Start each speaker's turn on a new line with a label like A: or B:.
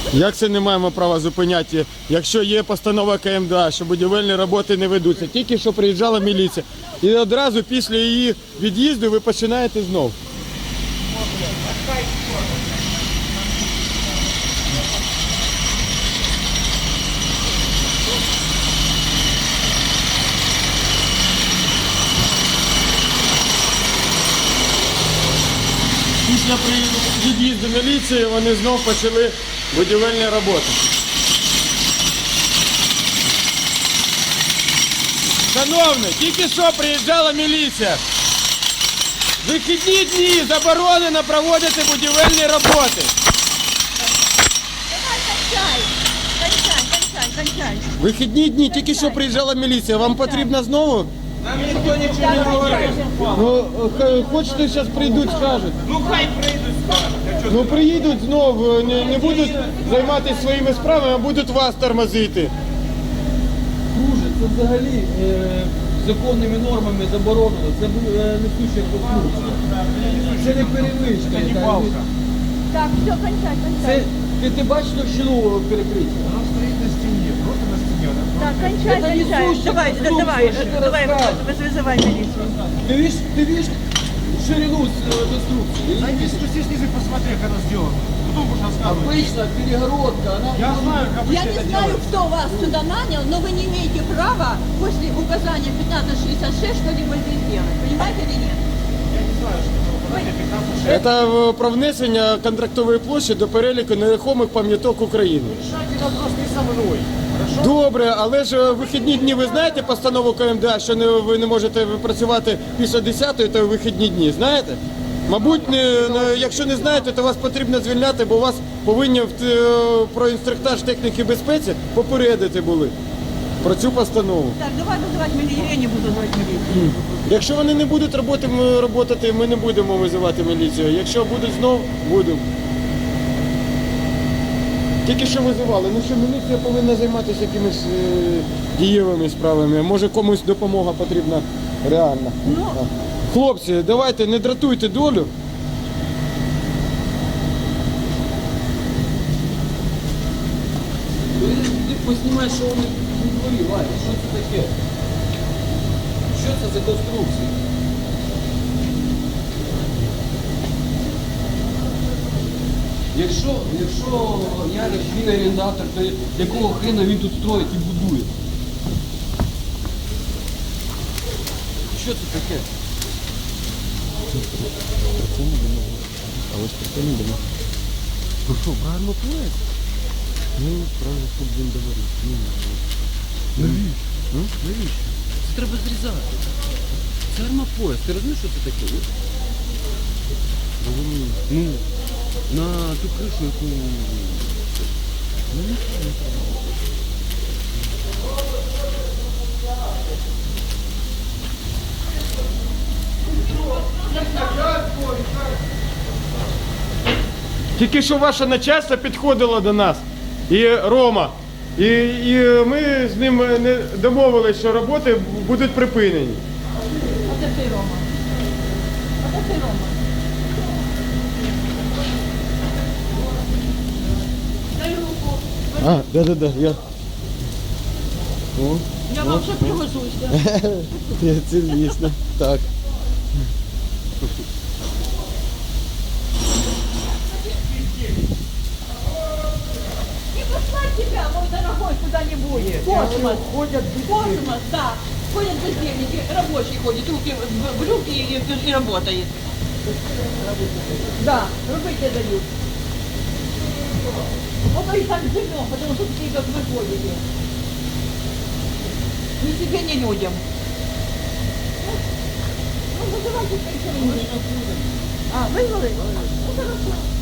A: Як це не маємо права зупиняти, якщо є постанова КМДА, що будівельні роботи не ведуться? Тільки що приїжджала міліція. І одразу після її від'їзду ви починаєте знов. Після від'їзду міліції вони знов почали будівельні роботи. Шановні, тільки що приїжджала міліція. Вихідні дні заборонено проводити будівельні роботи.
B: Давай, кончай.
A: Вихідні дні тільки що приїжджала міліція. Вам потрібно знову?
C: Нам ніхто нічого не говорив.
A: Ну, хочете, зараз прийдуть, скажуть.
C: Ну хай прийдуть, скажуть.
A: Ну приїдуть знову, не будуть займатися своїми справами, а будуть вас тормозити.
D: Друже, це взагалі законними нормами заборонено. Це несуща конструкція. Це не перевичка.
C: Це не балка.
B: Так, все, кончай.
D: Це, ти бачиш товщину перекриття?
C: Вона стоїть на стіні, просто на стіні.
B: Так, кончай. Давай, вызывай милицию.
D: Ты видишь ширину конструкции?
C: Спусти снизу, посмотри, как она сделана. Потом будешь рассказывать.
D: Обычно перегородка, она...
C: Я знаю, как
B: Я не знаю, кто вас сюда нанял, но вы не имеете права после указания 1566 что-либо здесь делать. Понимаете или нет?
C: Я не знаю, что это указание 15.
A: Це про внесення контрактової площі до переліку нерухомих пам'яток України.
C: Решайте вопрос не со мной. Хорошо?
A: Добре, але ж вихідні дні, ви знаєте постанову КМДА, що ви не можете працювати після 10-ї, то вихідні дні, знаєте? Мабуть, якщо не знаєте, то вас потрібно звільняти, бо вас повинні про інструктаж техніки безпеці попередити були про цю постанову.
B: Так, давай вызывать милицию. Я не буду звать милицию.
A: Якщо вони не будуть роботати, ми не будемо визивати міліцію. Якщо будуть знов, будемо. Тільки що визивали. Ну що, міліція повинна займатися якимись дієвими справами. Може комусь допомога потрібна реальна.
B: Ну.
A: Хлопці, давайте, не дратуйте долю.
D: Ти поснімай, що вони у дворі, Валя, що це таке? Що це за конструкція? Якщо Ярик, він орендатор, то якого хрена він тут строїть і будує? Що це таке?
A: А ось про це не думав. Ну що, правильно плеє? Ну, правильно, тут він говорить.
D: Навіщо? Навіщо? Це треба зрізати. Це армопояс. Ти розумієш, що це таке? Ну, на ту кришу, яку... Ну, нічого не треба.
A: Тільки що ваше начальство підходило до нас, і Рома, і ми з ним не домовились, що роботи будуть припинені.
B: А де ти, Рома? Дай руку.
A: Да, я. О,
B: Я вам ще пригожусь.
A: це звісно, так.
B: Не послать тебя, мой дорогой, куда-нибудь. Космос, да. Ходят бездельники, рабочий ходит, руки в брюки и работает. Да, рубить дают. Вот и так живем, потому что такие, как вы ходите. Ни себе, ни людям. Ну, вызывайте, что. А, вызвали? Ну, хорошо.